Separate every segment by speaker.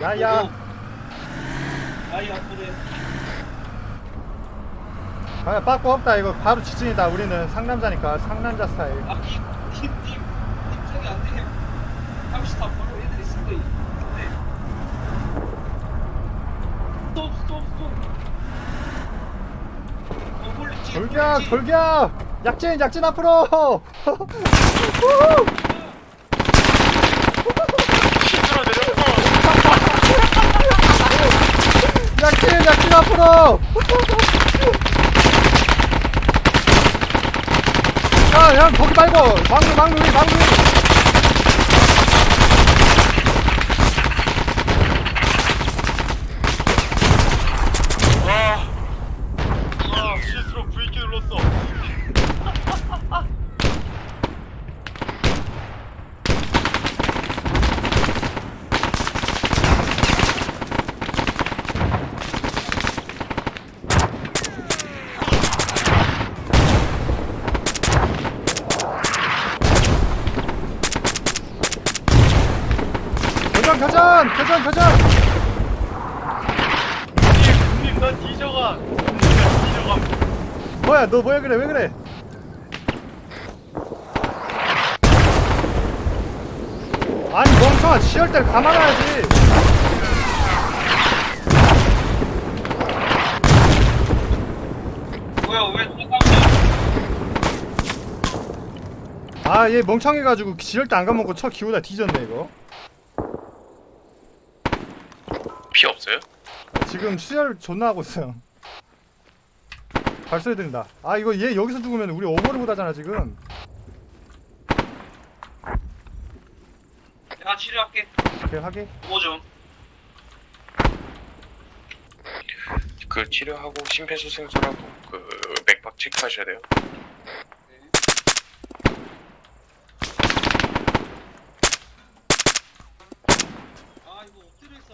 Speaker 1: 야야.
Speaker 2: 아이 아프네.
Speaker 1: 아 빠꾸 없다. 이거 바로 지진이다. 우리는 상남자니까 상남자 스타일.
Speaker 2: 아팀 생이 안 돼. 30타 바로 애들이 쓴 거 있는데. 스톱.
Speaker 1: 돌격 돌격. 약진 앞으로.
Speaker 3: 힘들어 내렸어.
Speaker 1: 약진 앞으로. 형 거기 말고 막루 위.
Speaker 3: 실수로 V키 눌렀어.
Speaker 1: 교전.
Speaker 3: 형님 나 뒤져가.
Speaker 1: 뭐야 너 뭐야 그래 왜 그래? 아니 멍청아 치열 때를 감안해야지.
Speaker 2: 뭐야 왜 똑같냐?
Speaker 1: 아 얘 멍청해가지고 지열 때 안 감먹고 쳐 기우다 뒤졌네 이거.
Speaker 3: 피 없어요?
Speaker 1: 지금 수혈 존나 하고 있어요. 발소리 들린다. 아 이거 얘 여기서 죽으면 우리 오버를 못하잖아 지금.
Speaker 2: 내가 치료할게.
Speaker 1: 오케이 하게.
Speaker 2: 뭐 좀.
Speaker 3: 그 치료하고 심폐소생술하고 그 맥박 체크하셔야 돼요.
Speaker 2: 아 이거 엎드려 있어.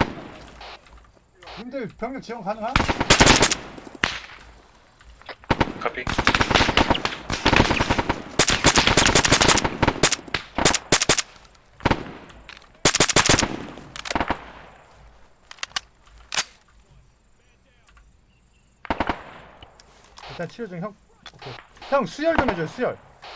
Speaker 1: 님들 병력 지원 가능한?
Speaker 3: 카피.
Speaker 1: 일단 치료 중 형. 오케이. 형 수혈 좀 해줘요 수혈.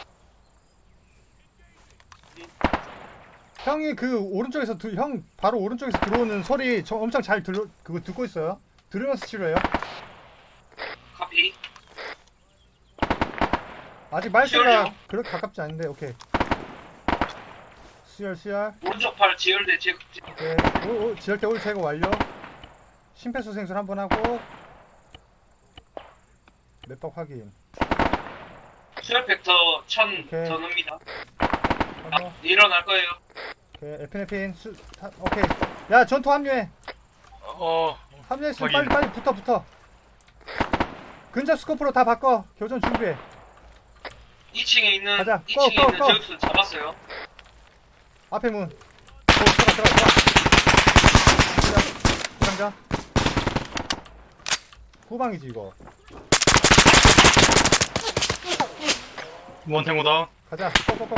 Speaker 1: 형이 그 오른쪽에서 형 바로 오른쪽에서 들어오는 소리 저 엄청 잘 그거 듣고 있어요. 들으면서 치료해요.
Speaker 2: 카피.
Speaker 1: 아직 말소리가
Speaker 2: 수혈이요?
Speaker 1: 그렇게 가깝지 않은데 오케이. 수혈.
Speaker 2: 오른쪽 팔 지혈대 제.
Speaker 1: 오케이. 지혈대 올 제거 완료. 심폐소생술 한번 하고 맷박 확인.
Speaker 2: 수혈 팩터 1000
Speaker 1: 오케이.
Speaker 2: 더 넣습니다.
Speaker 1: 하고
Speaker 2: 일어날 거예요.
Speaker 1: 오케이 에피네핀 오케이. 야 전투 합류해. 합류했으면
Speaker 3: 확인.
Speaker 1: 빨리 붙어. 근접 스코프로 다 바꿔. 교전 준비해.
Speaker 2: 2층에 있는
Speaker 1: 가자.
Speaker 2: 2층에
Speaker 1: 고!
Speaker 2: 있는 저격수 잡았어요.
Speaker 1: 앞에 문. 들어가. 상자. 후방이지 이거.
Speaker 3: 원탱고다.
Speaker 1: 가자. 꺼.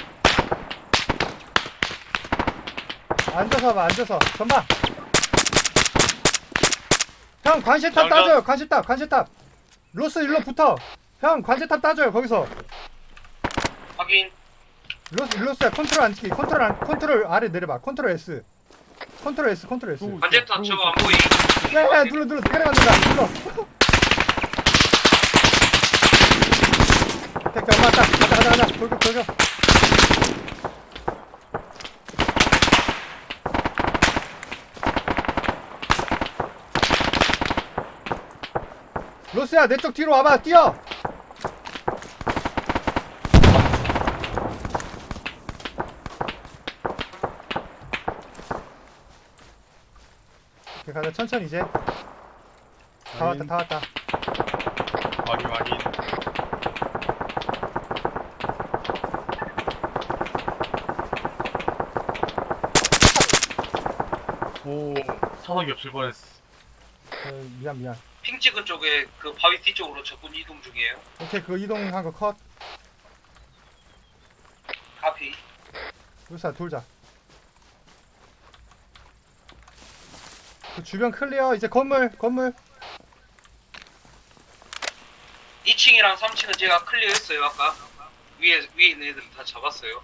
Speaker 1: 앉아서 봐. 전방. 형 관실탑
Speaker 3: 장전.
Speaker 1: 따줘요. 관실탑. 로스 일로 붙어. 형 관실탑 따줘요. 거기서.
Speaker 2: 확인.
Speaker 1: 로스야 컨트롤 안 지키. 컨트롤 아래 내려봐. 컨트롤 S.
Speaker 2: 관제탑 저거 안 보이.
Speaker 1: 야, 눌러. 때려간다. 눌러. 오케이, 엄마 딱. 가자. 돌격. 로스야, 내 쪽 뒤로 와봐. 뛰어. 오케이, 가자. 천천히 이제. 다 왔다.
Speaker 3: 확인. 오, 사석이 없을 뻔했어.
Speaker 1: 미안.
Speaker 2: 핑 찍은 쪽에 그 바위 뒤쪽으로 적군 이동 중이에요.
Speaker 1: 오케이, 그거 이동한 거 컷.
Speaker 2: 카피.
Speaker 1: 로스야, 돌자. 그 주변 클리어. 이제 건물.
Speaker 2: 2층이랑 3층은 제가 클리어했어요. 아까 위에 있는 애들 다 잡았어요.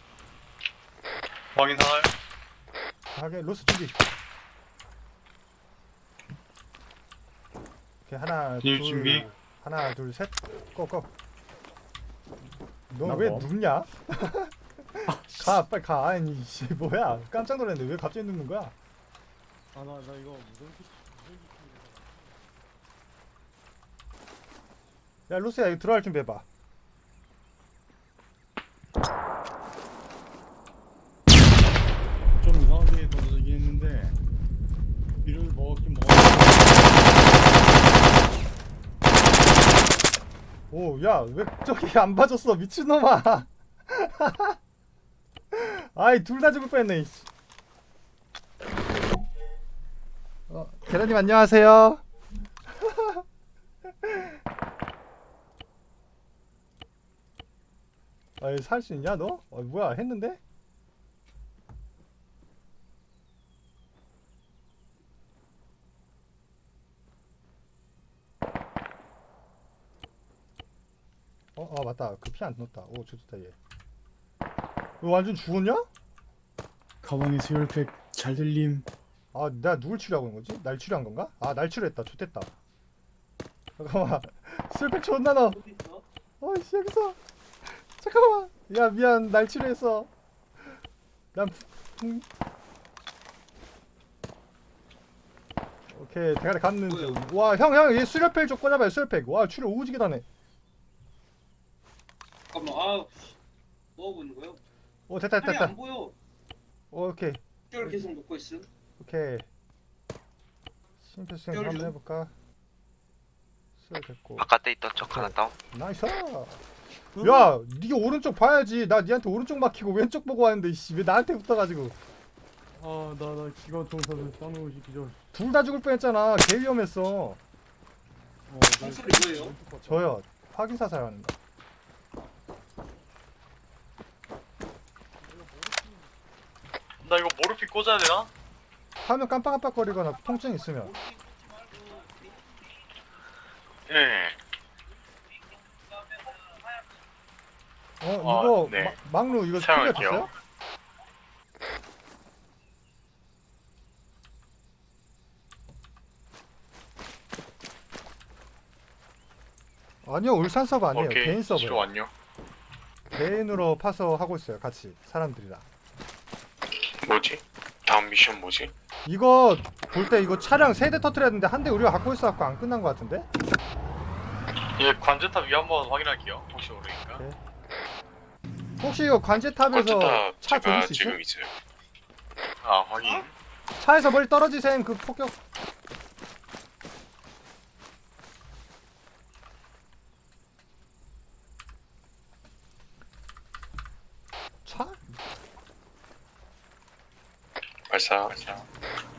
Speaker 3: 확인 하나요?
Speaker 1: 하게 로스 준비. 오케이 하나
Speaker 3: 진입
Speaker 1: 둘
Speaker 3: 준비.
Speaker 1: 하나 둘 셋. 고고. 너
Speaker 4: 나
Speaker 1: 왜
Speaker 4: 뭐?
Speaker 1: 눕냐? 가 빨리 가. 아니 씨 뭐야? 깜짝 놀랐네. 왜 갑자기 눕는 거야?
Speaker 4: 아 나 이거
Speaker 1: 야 로스야 이거 들어갈 준비해봐.
Speaker 4: 좀 이상하게 던져지긴 했는데 비를 먹었긴 먹었.
Speaker 1: 오, 야, 왜 저기 안 봐줬어, 미친놈아. 아이, 둘 다 죽을 뻔했네, 이씨. 계란님 안녕하세요. 아이, 살 수 있냐, 너? 뭐야, 했는데? 맞다. 그 피 안 넣었다. 오, 좋다, 얘. 너 완전 죽었냐?
Speaker 4: 가방에 수혈팩 잘 들림.
Speaker 1: 아, 내가 누굴 치료하고 있는 거지? 날 치료한 건가? 아, 날 치료했다. 좋됐다. 잠깐만. 슬팩 존나 넣어.
Speaker 2: 어디 있어?
Speaker 1: 어이씨, 여기서. 잠깐만. 야, 미안. 날 치료했어. 난, 오케이. 대가리 감는 중. 와, 형, 얘 수혈팩 좀 꽂아봐요, 수혈팩. 와, 치료 오지게 다네.
Speaker 2: 잠깐만. 아, 뭐 하고 있는 거야?
Speaker 1: 오, 됐다.
Speaker 2: 팔이 안 보여.
Speaker 1: 오케이.
Speaker 2: 뼈를 계속 먹고 있음.
Speaker 1: 오케이. 심폐수행
Speaker 2: 뼈를
Speaker 1: 한번
Speaker 2: 좀-
Speaker 1: 해볼까? 수혈 됐고.
Speaker 5: 바깥에 있던 적 하나 다운.
Speaker 1: 나이스. 야, 니가 오른쪽 봐야지. 나 니한테 오른쪽 막히고 왼쪽 보고 왔는데 이씨 왜 나한테 붙어가지고.
Speaker 4: 아나 기관 총사를 싸놓으시 기절.
Speaker 1: 둘 다 죽을 뻔했잖아. 개 위험했어.
Speaker 2: 목소리 뭐예요?
Speaker 1: 저요. 확인 사살하는 거.
Speaker 3: 나 이거 모르핀 꽂아야 되나?
Speaker 1: 화면 깜빡깜빡거리거나 통증 있으면.
Speaker 3: 예.
Speaker 1: 이거
Speaker 3: 네.
Speaker 1: 막루 이거
Speaker 3: 사용할게요.
Speaker 1: 클리어 됐어요? 아니요, 울산 서버 아니에요.
Speaker 3: 오케이.
Speaker 1: 개인
Speaker 3: 치료
Speaker 1: 서버.
Speaker 3: 완료.
Speaker 1: 개인으로 파서 하고 있어요. 같이 사람들이랑.
Speaker 3: 뭐지? 다음 미션 뭐지?
Speaker 1: 이거 볼 때 이거 차량 3대 터트려야 되는데 한 대 우리가 갖고 있어갖고 안 끝난 것 같은데?
Speaker 3: 예, 관제탑 위 한번 확인할게요. 혹시 모르니까.
Speaker 1: 오케이. 혹시 이거 관제탑에서
Speaker 3: 관제탑
Speaker 1: 차
Speaker 3: 제가
Speaker 1: 조질 수 있어?
Speaker 3: 지금 있어요. 아, 확인.
Speaker 1: 차에서 멀리 떨어지셈 그 폭격. 차?
Speaker 3: 발사.